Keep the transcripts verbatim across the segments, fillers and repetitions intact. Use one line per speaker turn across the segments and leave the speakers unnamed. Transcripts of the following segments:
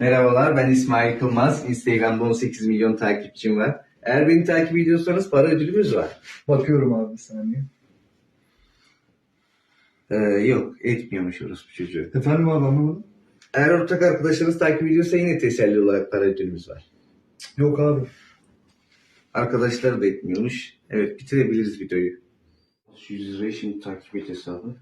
Merhabalar, ben İsmail Kılmaz. Instagram'da on sekiz milyon takipçim var. Eğer beni takip ediyorsanız para ödülümüz var.
Bakıyorum abi bir saniye.
Ee, yok, etmiyormuş orospu çocuğu.
Efendim abi anlamadım.
Eğer ortak arkadaşlarınız takip ediyorsa yine teselli olarak para ödülümüz var.
Yok abi.
Arkadaşlar da etmiyormuş. Evet, bitirebiliriz videoyu. yüz lirayı şimdi takip et hesabı.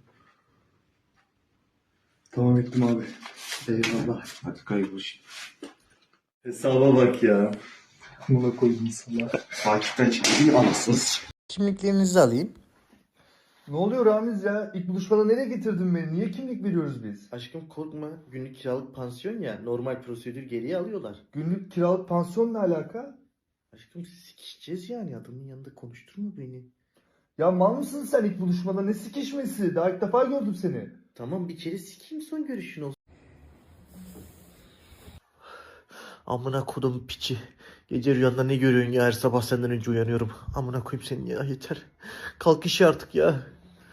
Tamam ettim abi.
Eyvallah. Hadi kaybol şimdi.
Hesaba bak ya. Buna koydum sana.
Takipten çıkmayı anasınız.
Kimliklerinizi alayım.
Ne oluyor Ramiz ya? İlk buluşmada nereye getirdin beni? Niye kimlik veriyoruz biz?
Aşkım korkma. Günlük kiralık pansiyon ya. Normal prosedür geriye alıyorlar.
Günlük kiralık pansiyon ne alaka?
Aşkım sikişeceğiz yani. Adamın yanında konuşturma beni.
Ya mal mısın sen ilk buluşmada? Ne sikişmesi? Daha ilk defa gördüm seni.
Tamam bir kere sikeyim son görüşün olsun. Amına kodum piçi. Gece rüyanda ne görüyorsun ya? Her sabah senden önce uyanıyorum. Amına koyayım seni ya yeter. Kalk işe artık ya.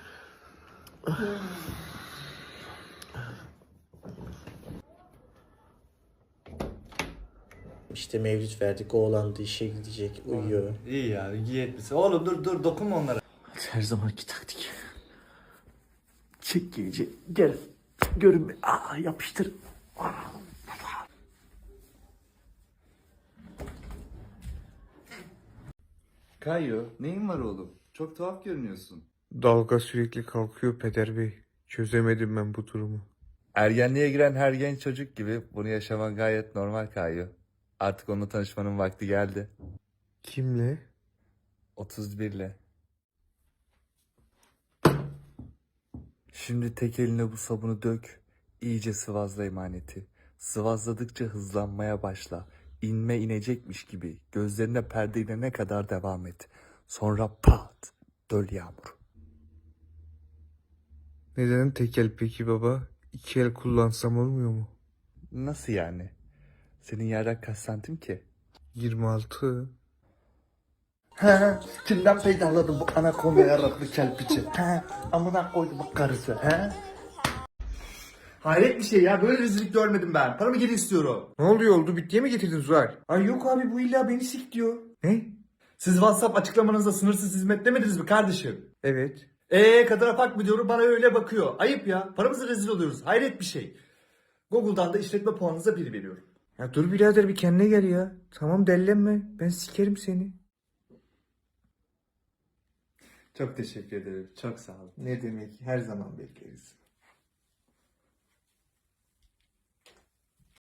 İşte mevlüt verdik. Oğlan da işe gidecek. Uyuyor.
İyi ya, iyi etmişsin. Oğlum dur dur dokunma onlara.
Her zamanki taktik. Çek gece. Gel. Görünme. Aa, yapıştır. Aa.
Kayo, neyin var oğlum? Çok tuhaf görünüyorsun.
Dalga sürekli kalkıyor Peder Bey. Çözemedim ben bu durumu.
Ergenliğe giren her genç çocuk gibi bunu yaşaman gayet normal Kayo. Artık onunla tanışmanın vakti geldi.
Kimle?
otuz birle. Şimdi tek eline bu sabunu dök. İyice sıvazla emaneti. Sıvazladıkça hızlanmaya başla. İnme inecekmiş gibi gözlerine perde inene kadar devam et. Sonra pat, döl yağmur.
Neden tek el peki baba? İki el kullansam olmuyor mu?
Nasıl yani? Senin yerden kaç santim ki?
yirmi altı.
He, kimden peydahladım bu anakonda yaraklı kelpiçi? He, amına koydum bu karısı. He?
Hayret bir şey ya. Böyle rezillik görmedim ben. Paramı geri istiyorum.
Ne oluyor oldu? Bittiye mi getirdin Zuhal?
Ay yok abi bu illa beni sik diyor.
Ne?
Siz WhatsApp açıklamanızda sınırsız hizmet demediniz mi kardeşim?
Evet.
Eee kadına bak mı diyorum bana öyle bakıyor. Ayıp ya. Paramızı rezil oluyoruz. Hayret bir şey. Google'dan da işletme puanınıza bir veriyorum.
Ya dur birader bir kendine gel ya. Tamam dellenme. Ben sikerim seni.
Çok teşekkür ederim. Çok sağ olun.
Ne demek? Her zaman bekleriz.